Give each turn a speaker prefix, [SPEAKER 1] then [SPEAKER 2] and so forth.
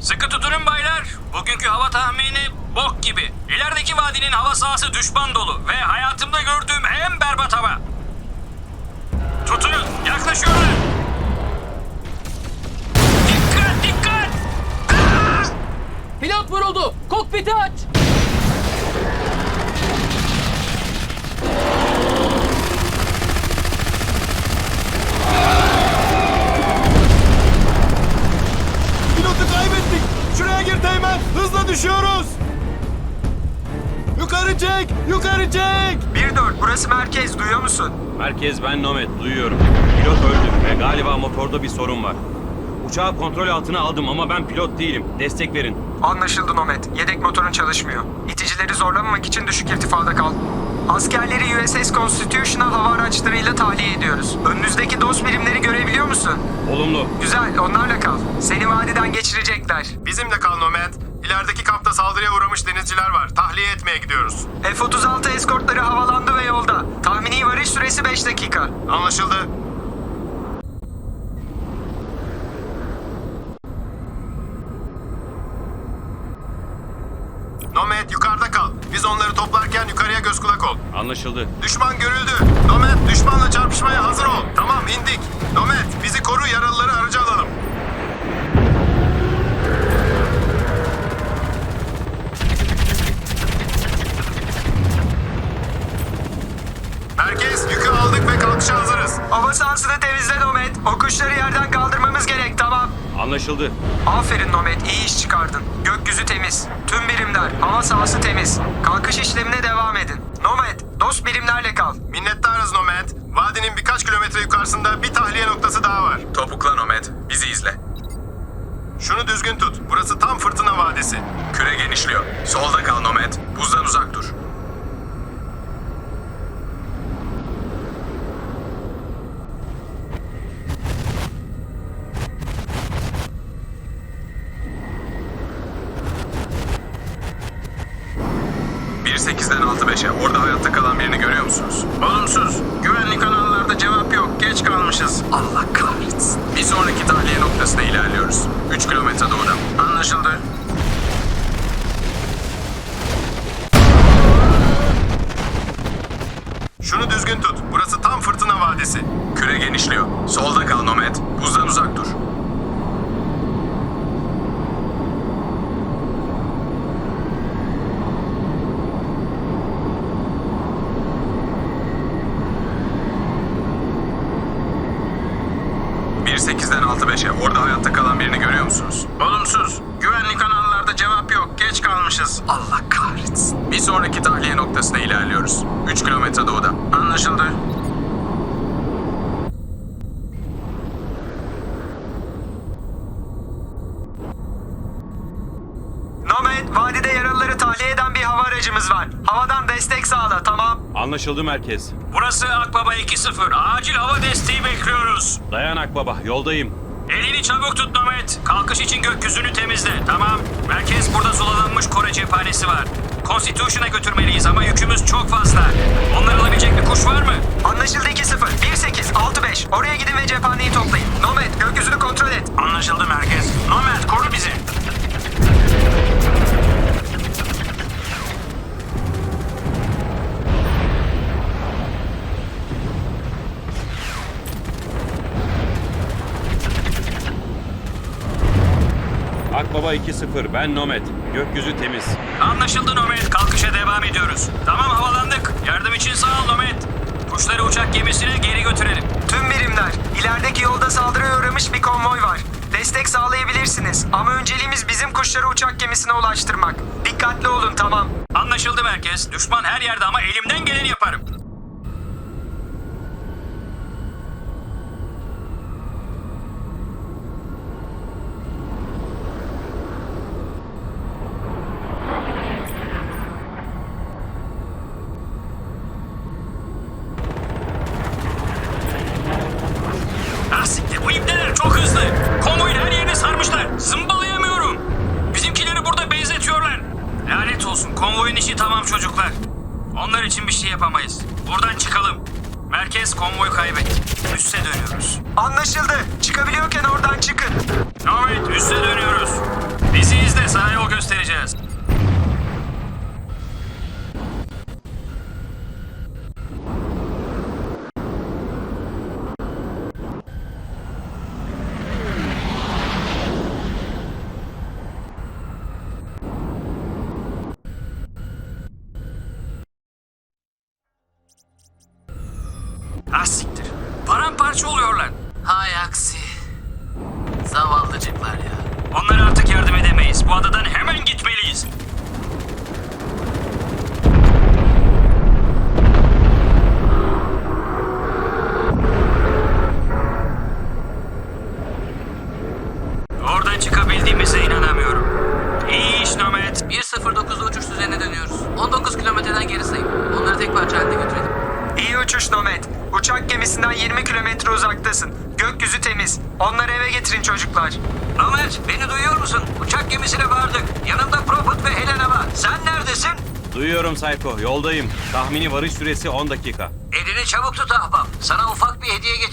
[SPEAKER 1] Sıkı tutunun baylar. Bugünkü hava tahmini bok gibi. İlerideki vadinin hava sahası düşman dolu ve hayatımda gördüğüm en berbat hava. Tutunun, yaklaşıyorlar. Dikkat, dikkat!
[SPEAKER 2] Pilot vuruldu. Kokpiti aç.
[SPEAKER 3] Pilotu kaybettik. Şuraya gir Teğmen. Hızla düşüyoruz. Yukarı çek. Yukarı çek.
[SPEAKER 4] 1-4 burası merkez, duyuyor musun?
[SPEAKER 5] Merkez, ben Nomad, duyuyorum. Pilot öldü ve galiba motorda bir sorun var. Uçağı kontrol altına aldım ama ben pilot değilim. Destek verin.
[SPEAKER 4] Anlaşıldı Nomad. Yedek motorun çalışmıyor. İticileri zorlamamak için düşük irtifada kal. Askerleri USS Constitutional hava araçlarıyla tahliye ediyoruz. Önünüzdeki DOS birimleri görebiliyor musun?
[SPEAKER 5] Olumlu.
[SPEAKER 4] Güzel, onlarla kal. Seni vadiden geçirecekler.
[SPEAKER 3] Bizimle kal Nomad. İlerideki kampta saldırıya uğramış denizciler var. Tahliye etmeye gidiyoruz.
[SPEAKER 4] F-36 eskortları havalandı ve yolda. Tahmini varış süresi 5 dakika.
[SPEAKER 3] Anlaşıldı. Nomad yukarıda kal. Biz onları toplarken yukarıya göz kulak ol.
[SPEAKER 5] Anlaşıldı.
[SPEAKER 3] Düşman görüldü. Nomad düşmanla çarpışmaya hazır ol. Tamam indik. Nomad bizi koru, yaralıları araca alalım. Merkez yükü aldık ve kalkışa hazırız.
[SPEAKER 4] Hava sahasını temizle Nomad. O kuşları yerden kaldırmamız gerek, tamam.
[SPEAKER 5] Anlaşıldı.
[SPEAKER 4] Aferin Nomad, iyi iş çıkardın. Gökyüzü temiz. Tüm birimler, hava sahası temiz. Kalkış işlemine devam edin. Nomad, dost birimlerle kal.
[SPEAKER 3] Minnettarız Nomad. Vadinin birkaç kilometre yukarısında bir tahliye noktası daha var.
[SPEAKER 6] Topukla Nomad, bizi izle.
[SPEAKER 3] Şunu düzgün tut. Burası tam fırtına vadisi.
[SPEAKER 6] Küre genişliyor. Solda kal Nomad, buzdan uzak dur. ...1-8'den 6-5'e. Orada hayatta kalan birini görüyor musunuz?
[SPEAKER 1] Olumsuz. Güvenlik kanallarda cevap yok. Geç kalmışız.
[SPEAKER 4] Allah kahretsin.
[SPEAKER 6] Bir sonraki tahliye noktasına ilerliyoruz. 3 kilometre doğuda.
[SPEAKER 1] Anlaşıldı.
[SPEAKER 3] Şunu düzgün tut. Burası tam fırtına vadisi.
[SPEAKER 6] Küre genişliyor. Solda kal Nomad, buzdan uzak dur. ...1-8'den 6-5'e. Orada hayatta kalan birini görüyor musunuz?
[SPEAKER 1] Olumsuz. Güvenlik kanallarda cevap yok. Geç kalmışız.
[SPEAKER 4] Allah kahretsin.
[SPEAKER 6] Bir sonraki tahliye noktasına ilerliyoruz. 3 kilometre doğuda.
[SPEAKER 1] Anlaşıldı.
[SPEAKER 4] Nomad, vadide yaralıları tahliye eden bir hava aracımız var. Havadan destek sağla, tamam.
[SPEAKER 5] Anlaşıldı merkez.
[SPEAKER 1] Burası Akbaba 2-0. Acil hava desteği bekliyoruz.
[SPEAKER 5] Dayan Akbaba, yoldayım.
[SPEAKER 1] Elini çabuk tut Nomad. Kalkış için gökyüzünü temizle. Tamam. Merkez burada sulalanmış Kore cephanesi var. Constitution'a götürmeliyiz ama yükümüz çok fazla. Onları alabilecek bir kuş var mı?
[SPEAKER 4] Anlaşıldı 2-0. 1-8, 6-5. Oraya gidin ve cephaneyi toplayın. Nomad, gökyüzünü kontrol et.
[SPEAKER 1] Anlaşıldı merkez. Nomad koru bizi.
[SPEAKER 5] Akbaba 2-0, ben Nomad. Gökyüzü temiz.
[SPEAKER 1] Anlaşıldı Nomad. Kalkışa devam ediyoruz. Tamam havalandık. Yardım için sağ ol Nomad. Kuşları uçak gemisine geri götürelim.
[SPEAKER 4] Tüm birimler, ilerideki yolda saldırıya uğramış bir konvoy var. Destek sağlayabilirsiniz ama önceliğimiz bizim kuşları uçak gemisine ulaştırmak. Dikkatli olun, tamam.
[SPEAKER 1] Anlaşıldı merkez. Düşman her yerde ama elimden geleni yaparım. Ah siktir, bu ibneler çok hızlı. Konvoyun her yerini sarmışlar. Zımbalayamıyorum. Bizimkileri burada benzetiyorlar. Lanet olsun, konvoyun işi tamam çocuklar. Onlar için bir şey yapamayız. Buradan çıkalım. Merkez konvoy kaybetti. Üste dönüyoruz.
[SPEAKER 4] Anlaşıldı. Çıkabiliyorken oradan çıkın.
[SPEAKER 1] Evet, üste dönüyoruz. Biz
[SPEAKER 2] Aksi. Zavallıcıklar ya.
[SPEAKER 1] Onlara artık yardım edemeyiz. Bu adadan hemen gitmeliyiz. Oradan çıkabildiğimize inanamıyorum. İyi iş Nomad.
[SPEAKER 2] 1.09'da uçuş düzenine dönüyoruz. 19 kilometreden geri sayın. Onları tek parça halinde götürelim.
[SPEAKER 4] İyi uçuş Nomad. Uçak gemisinden 20 kilometre uzaktasın. Gökyüzü temiz. Onları eve getirin çocuklar.
[SPEAKER 1] Nomad, beni duyuyor musun? Uçak gemisine vardık. Yanımda Prophet ve Helena var. Sen neredesin?
[SPEAKER 5] Duyuyorum Psycho. Yoldayım. Tahmini varış süresi 10 dakika.
[SPEAKER 1] Elini çabuk tut ahbap. Sana ufak bir hediye